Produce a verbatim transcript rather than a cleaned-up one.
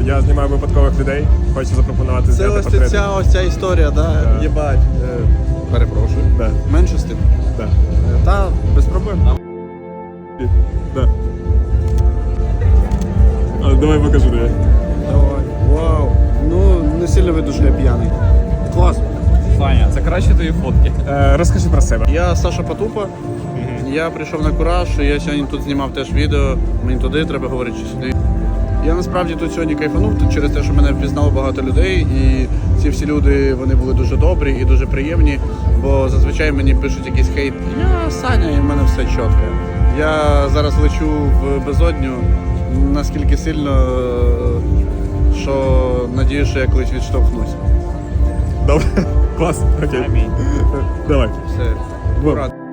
Я знімаю випадкових людей, хочу запропонувати Це зняти ось портрети. ця ось ця історія, да? Да. Єбать. Е, перепрошую. Да. Менше з тим. Да. Е, Та, без проблем. Да. А, давай покажу тобі. Давай. Вау. Ну, не сильно видно, що я п'яний. Клас. Саня, це краще твої фотки. Е, розкажи про себе. Я Саша Потупа. Я прийшов на Кураж, я сьогодні тут знімав теж відео. Мені туди треба говорити, чи сюди. Я насправді тут сьогодні кайфанув тут через те, що мене впізнало багато людей, і ці всі люди вони були дуже добрі і дуже приємні, бо зазвичай мені пишуть якийсь хейт. Я Саня, і в мене все чітко. Я зараз лечу в безодню наскільки сильно, що надію, що я колись відштовхнусь. Добре. Клас. Окей. Амінь. Давай. Все. Бо- Ура.